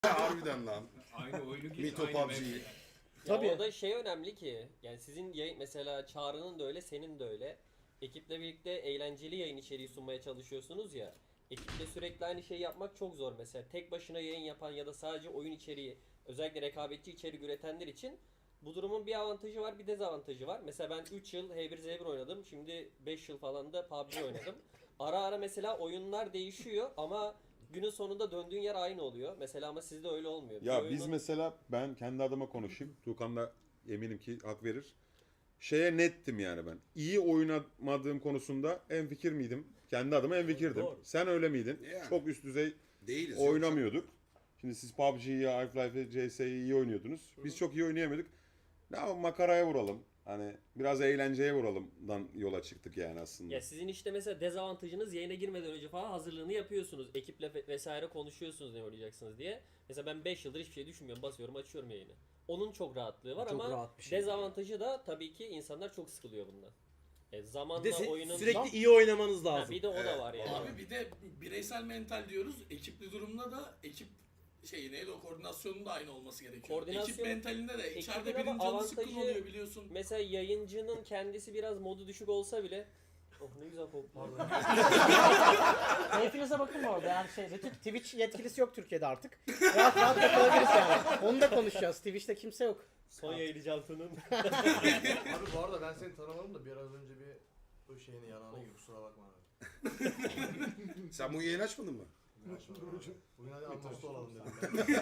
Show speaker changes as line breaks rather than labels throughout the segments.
Harbiden lan.
Aynı oyunu geç,
Mito
aynı
PUBG.
map.
Ya
Tabii.
orada şey önemli ki yani sizin yayın mesela Çağrı'nın da öyle senin de öyle. Ekiple birlikte eğlenceli yayın içeriği sunmaya çalışıyorsunuz ya. Ekiple sürekli aynı şeyi yapmak çok zor mesela. Tek başına yayın yapan ya da sadece oyun içeriği özellikle rekabetçi içerik üretenler için bu durumun bir avantajı var bir dezavantajı var. Mesela ben 3 yıl H1Z1 oynadım. Şimdi 5 yıl falan da PUBG oynadım. Ara ara mesela oyunlar değişiyor ama günün sonunda döndüğün yer aynı oluyor. Mesela ama sizde öyle olmuyor.
Ya
Bir
biz
oyunun-
mesela ben kendi adıma konuşayım. Tuğkan da eminim ki hak verir. Şeye nettim yani ben. İyi oynamadığım konusunda enfikir miydim? Kendi adıma enfikirdim.
Doğru.
Sen öyle miydin?
Yani.
Çok üst düzey
Değiliz.
oynamıyorduk. Şimdi siz PUBG'yi, Half-Life'ı, CS'yi iyi oynuyordunuz. Biz çok iyi oynayamadık. Ne yapalım, makaraya vuralım. Hani biraz eğlenceye vuralımdan yola çıktık yani aslında.
Ya sizin işte mesela dezavantajınız yayına girmeden önce falan hazırlığını yapıyorsunuz. Ekiple vesaire konuşuyorsunuz ne oynayacaksınız diye. Mesela ben 5 yıldır hiçbir şey düşünmüyorum. Basıyorum açıyorum yayını. Onun çok rahatlığı var
Çok
ama
rahat bir şey.
dezavantajı da tabii ki insanlar çok sıkılıyor bundan. Zamanla
Bir de
oyunun...
sürekli iyi oynamanız
Ha,
lazım.
bir de o da var yani.
Abi bir de bireysel mental diyoruz. Ekipli durumda da ekip neydi o koordinasyonun da aynı olması gerekiyor.
Koordinasyon-
Ekip mentalinde de içeride
ekibin
birinin
ama
canı sıkkın
avantajı-
oluyor biliyorsun.
Mesela yayıncının kendisi biraz modu düşük olsa bile... Oh ne güzel koktu.
Keyfinize bakın bu arada yani Twitch yetkilisi yok Türkiye'de artık. Rahat rahat yapabiliriz yani. Onu da konuşacağız. Twitch'te kimse yok.
Son yayıncı Cantu'nun.
Abi bu arada ben seni tanımadım da biraz önce bir bu şeyini yanağına gibi kusura bakma abi.
Sen bu yayını açmadın mı?
Bugün hadi anlaştı olalım dedim.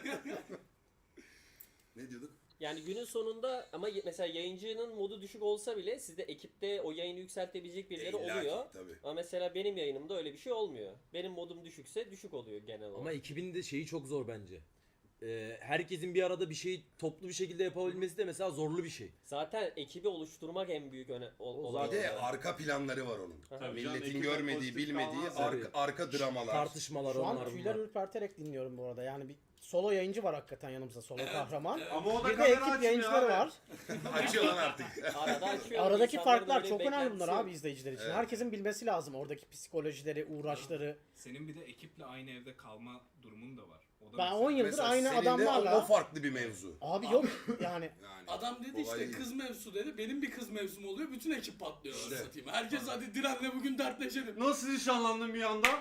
Ne diyorduk?
Yani günün sonunda ama mesela yayıncının modu düşük olsa bile sizde ekipte o yayını yükseltebilecek birileri
İlla ki,
oluyor.
tabii.
Ama mesela benim yayınımda öyle bir şey olmuyor. Benim modum düşükse düşük oluyor genel olarak.
Ama ekibin de şeyi çok zor bence. Herkesin bir arada bir şeyi toplu bir şekilde yapabilmesi de mesela zorlu bir şey.
Zaten ekibi oluşturmak en büyük olay.
Bir de
yani.
arka planları var onun.
Aha.
Tabii canım,
Milletin
ekibe
görmediği,
pozitif
bilmediği
kalmaz
arka dramalar.
Tartışmalar
Şu
onlar
an tüyler
bunlar.
ürperterek dinliyorum bu arada. Yani bir solo yayıncı var hakikaten yanımızda, solo kahraman.
Ama o da
Bir de
kamera
ekip
açmıyor
yayıncıları
abi.
var.
Açıyor lan artık.
Arada açıyorum.
Aradaki
İnsanların
farklar
öyle
çok önemli bunlar
beklentisi
abi
yok.
izleyiciler için.
Evet.
Herkesin bilmesi lazım oradaki psikolojileri, uğraşları.
Senin bir de ekiple aynı evde kalma durumun da var. O da
Ben
mesela-
10 yıldır
Mesela
aynı
senin de
adamlarla.
o farklı bir mevzu.
Abi yok yani.
Yani
Adam dedi
olay
işte
değil.
kız mevzusu dedi. Benim bir kız mevzum oluyor. Bütün ekip patlıyor.
İşte.
Satayım. Herkes hadi Diren'le bugün dertleşelim.
Nasıl nişanlandın bir anda?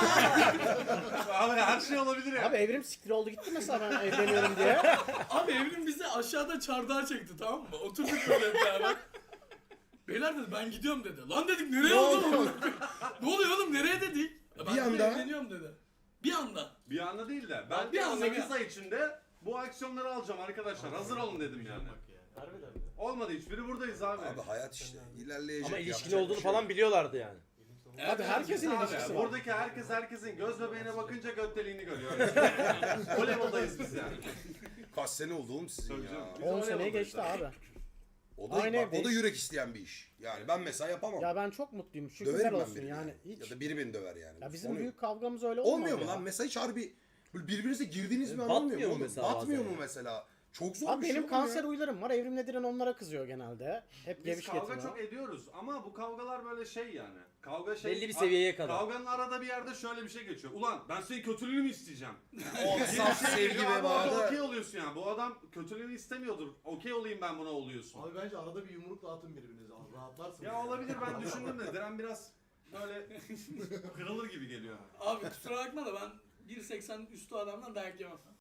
Abi her şey olabilir ya.
Abi evrim siktir oldu gitti mesela ben evleniyorum diye.
Abi Evrim bizi aşağıda çardağa çekti tamam mı? Oturduk böyle hep beraber. Beyler dedi ben gidiyorum dedi. Lan dedik nereye oğlum? Ne oluyor oğlum nereye dedik? Ya ben
Bir
dedi,
anda-
evleniyorum dedi. Bir anda.
Bir anda değil de ben
Bir anda,
8
bir
ay içinde bu aksiyonları alacağım arkadaşlar. Hazır olun dedim yani. Olmadı hiçbiri buradayız abi.
Abi hayat işte. İlerleyecek.
Ama ilişkili
yapacak bir
olduğunu
şey
falan
yok.
biliyorlardı yani.
Abi herkesin
Abi,
ilişkisi var.
buradaki herkesin göz bebeğine bakınca götteliğini görüyor. O level'dayız biz yani.
Kaç sene oldu oğlum sizin
Tabii
ya.
canım.
10
Biz o
seneye
level'dayız
geçti abi.
O da,
Aynen,
bak, o da yürek isteyen bir iş. Yani ben mesela yapamam.
Ya ben çok mutluyum. Şükürler
Döverim ben
olsun
birini.
yani.
Ya
Hiç.
da biri beni döver yani.
Ya bizim
Onu-
büyük kavgamız öyle olmadı.
Olmuyor mu
ya.
lan? Mesela hiç harbi böyle birbirinize girdiğiniz mi
Batmıyor
anlamıyor
mu
mu?
mesela
Batmıyor
bazen
mu
ya?
mesela? Çok zor
Abi
bir şey
benim
oğlum
kanser
ya.
huylarım var. Evrim Nedir'in onlara kızıyor genelde. Hep
Biz
geviş
kavga
getiriyor.
çok ediyoruz ama bu kavgalar böyle şey yani. Kavga şey...
Belli bir seviyeye kadar.
Kavganın arada bir yerde şöyle bir şey geçiyor. Ulan ben senin kötülüğünü mü isteyeceğim?
O saf sevgi
Geliyor
ve
abi orada
bağda.
okey oluyorsun yani. Bu adam kötülüğünü istemiyordur. Okey olayım ben buna oluyorsun.
Abi bence arada bir yumruk dağıtın birbirinize. Rahatlarsınız.
Ya olabilir ben düşündüm de Diren biraz böyle kırılır gibi geliyor.
Abi kusura bakma da ben 1.80 üstü adamdan dayak yemem.